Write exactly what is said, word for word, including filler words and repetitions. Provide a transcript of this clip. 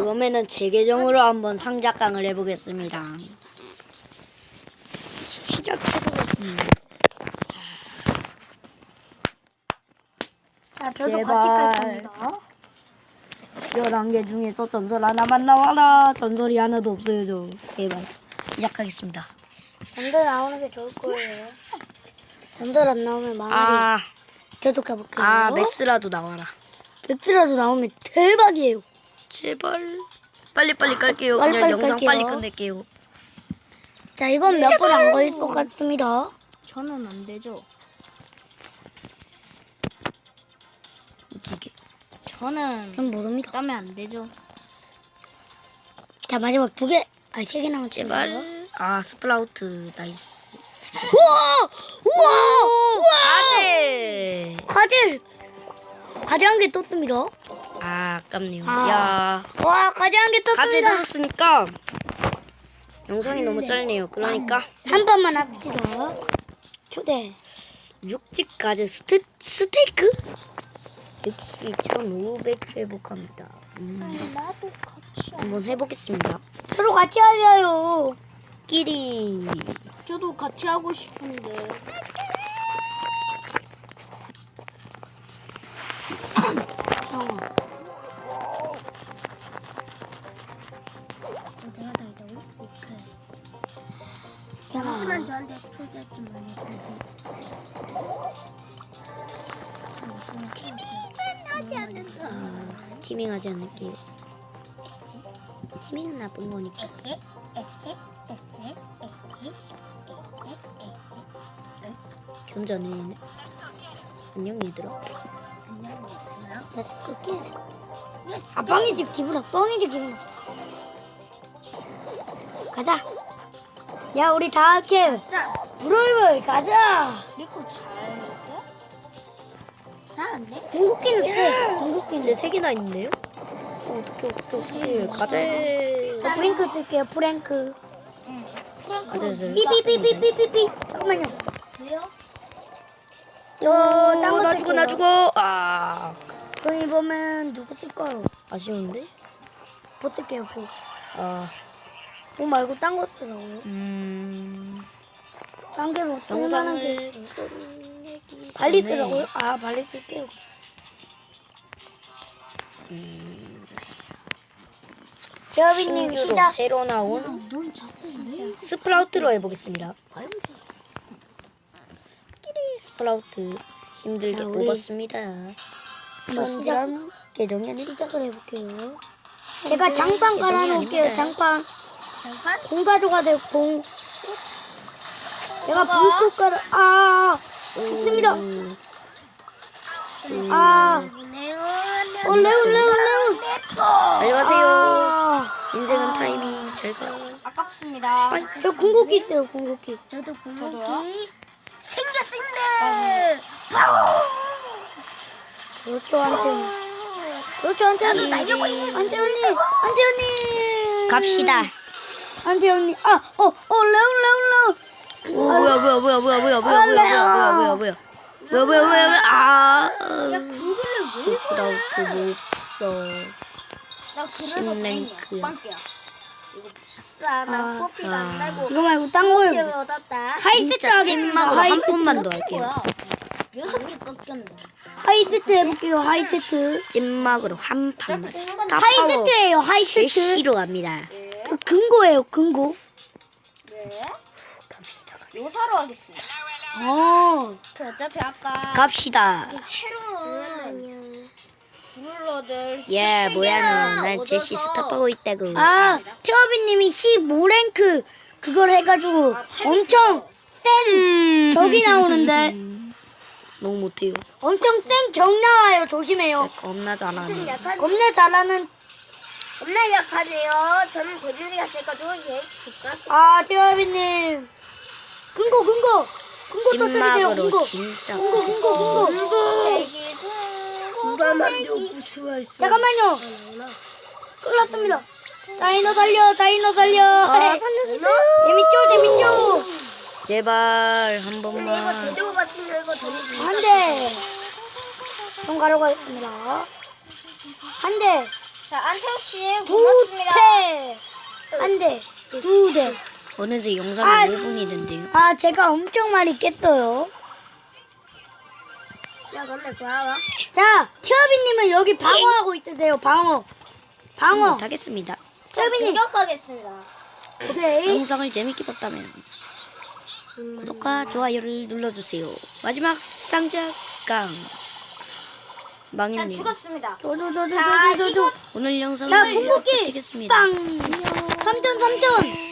다음에는 제 계정으로 한번 상작강을 해보겠습니다. 시작해보겠습니다. 자, 저도 제발. 같이 깔 겁니다. 열한 개 중에서 전설 하나만 나와라. 전설이 하나도 없어요, 저. 제발. 시작하겠습니다. 전설 나오는 게 좋을 거예요. 전설 안 나오면 망하리. 아, 계속 가볼게요. 아, 맥스라도 나와라. 맥스라도 나오면 대박이에요. 제발. 빨리빨리 깔게요. 빨리 그냥 빨리 영상 깔게요. 빨리 끝낼게요. 자, 이건 몇 분 안 걸릴 것 같습니다. 저는 안 되죠. 어떻게? 저는 전 모릅니다. 까면 안 되죠. 자, 마지막 두 개, 아니 세 개 남았습니다. 제발. 아, 스프라우트. 나이스. 우와! 우와! 우와! 아재. 과제! 과제 한 개 떴습니다. 아, 아깝네요. 아. 야. 와, 과제 한 개 가제 떴습니다. 넣었으니까 영상이 너무 짧네요. 그러니까 한 번만 합시다. 초대. 육즙 가제 스테, 스테이크? 역시 천오백 회복합니다. 음, 나도 같이. 한번 해보겠습니다. 저도 같이 하자요. 끼리. 저도 같이 하고 싶은데. 형아. 내가 달다고? 오케이. 있잖아. 하지만 저한테 초대 좀 많이 해주세요. 하지 않는다. 아, 티밍하지 않을게요. 티밍은 나쁜 거니까. 견자네. 안녕 얘들아. 렛츠 게 아, 뻥이지 기분아. 뻥이지 기분아. 가자. 야, 우리 다 함께 자, 브로이벌 가자. 리코 잘 돼? 잘안 돼? 궁극기는 쎄. 궁극기는. 이제 세 개나 있는데요? 어, 어떻게 어떻게 어떻게 가제. 저 프랭크 쓸게요. 프랭크. 가제를 삐삐삐삐삐삐삐. 잠깐만요. 왜요? 저딴거 나 죽어 나 쓸게요. 죽어. 아, 그럼 이번엔 누구 쓸까요? 아쉬운데? 뭐 쓸게요. 뭐. 아, 뭐 말고 딴 거 쓰라고요? 음. 딴게뭐 쓸만한 게. 영상을 끝내기 발리 전에 쓰라고요? 아, 발리 쓸게요. 재업이님 신규로 시작. 새로 나온 넌 자꾸 왜? 스프라우트로 해보겠습니다. 끼리 스프라우트 힘들게 자, 우리 뽑았습니다. 한번 시작, 시작 계정이 아니라 시작을 해볼게요. 제가 장판 깔아놓을게요. 아닙니다. 장판. 잠깐. 공 가져가 돼요. 공. 제가 불꽃 깔아. 아, 좋습니다. 음, 아, 레온. 어, 레온, 레온, 레온. 잘 가세요. 아, 인생은 타이밍. 잘 가. 아깝습니다. 저 궁극기 있어요. 궁극기. 저도 저도요? 궁극기 생겼습니다. 그렇죠, 안태훈. 그렇죠, 안태훈. 안태훈님. 안태훈님. 갑시다. 안태훈님. 아, 어, 어, 레온, 레온, 레온. 오, 뭐야 뭐야 뭐야 뭐야 뭐야 뭐야 뭐야 뭐야 뭐야 뭐야 뭐야 뭐야 뭐야 뭐야 아 스프라우트 못써 나 그래도 신랭크야. 빵개야. 이거 비싸. 나 아, 커피가 안 달고. 이거 말고 딴 거요. 커피 얻었다. 하이세트 진짜 하겠습니다. 찐막으로 한 하이세트. 번만 더 할게요. 여섯 개 꺾였네. 하이세트 해볼게요. 하이세트. 찐막으로 한 판만 스타 파워 하이세트예요. 하이세트. 제시로 갑니다. 그 근거예요. 근거. 네. 갑시다. 요사로 하겠습니다. 어. 저 어차피 아까 갑시다. 새로운 브룰러들 예 뭐야 너난 제시 스타 파워 있다고. 아, 태어비님이 십오 랭크 그걸 해가지고 엄청 센 적이 나오는데 너무 못해요. 엄청 센 적 나와요. 조심해요. 겁나 잘하네. 겁나 잘하는. 겁나 약하네요. 저는 데뷔를 갔으니까 조금씩 볼까? 아, 태어비님. 근거 근거 근거 터뜨리세요. 찐막으로 근거 진짜. 근거 근거 근거. 불안한데 무수가 있어. 잠깐만요. 끝났습니다. 다이노 살려, 다이노 살려. 아, 살려주세요. 재밌죠, 재밌죠. 제발 한 이거 번만. 제대로 맞추면 이거 데미지. 한 대. 좀 가려고 했습니다. 한 대. 자, 안태호 씨 두 고맙습니다. 대. 한 대. 두 대. 어느새 영상이 아. 오 분이 된대요. 아, 제가 엄청 많이 깼어요. 야, 근데 뭐야? 자, 티어비님은 여기 방어하고 있으세요. 방어. 방어. 못하겠습니다. 티어비님. 공격하겠습니다. 오케이. 영상을 재밌게 봤다면 구독과 좋아요를 눌러주세요. 마지막 상자깡 자, 망했네요. 죽었습니다. 저도, 저도, 자, 저도, 이거 저도. 오늘 영상을 자, 궁극기. 마치겠습니다. 빵. 삼 점, 삼 점.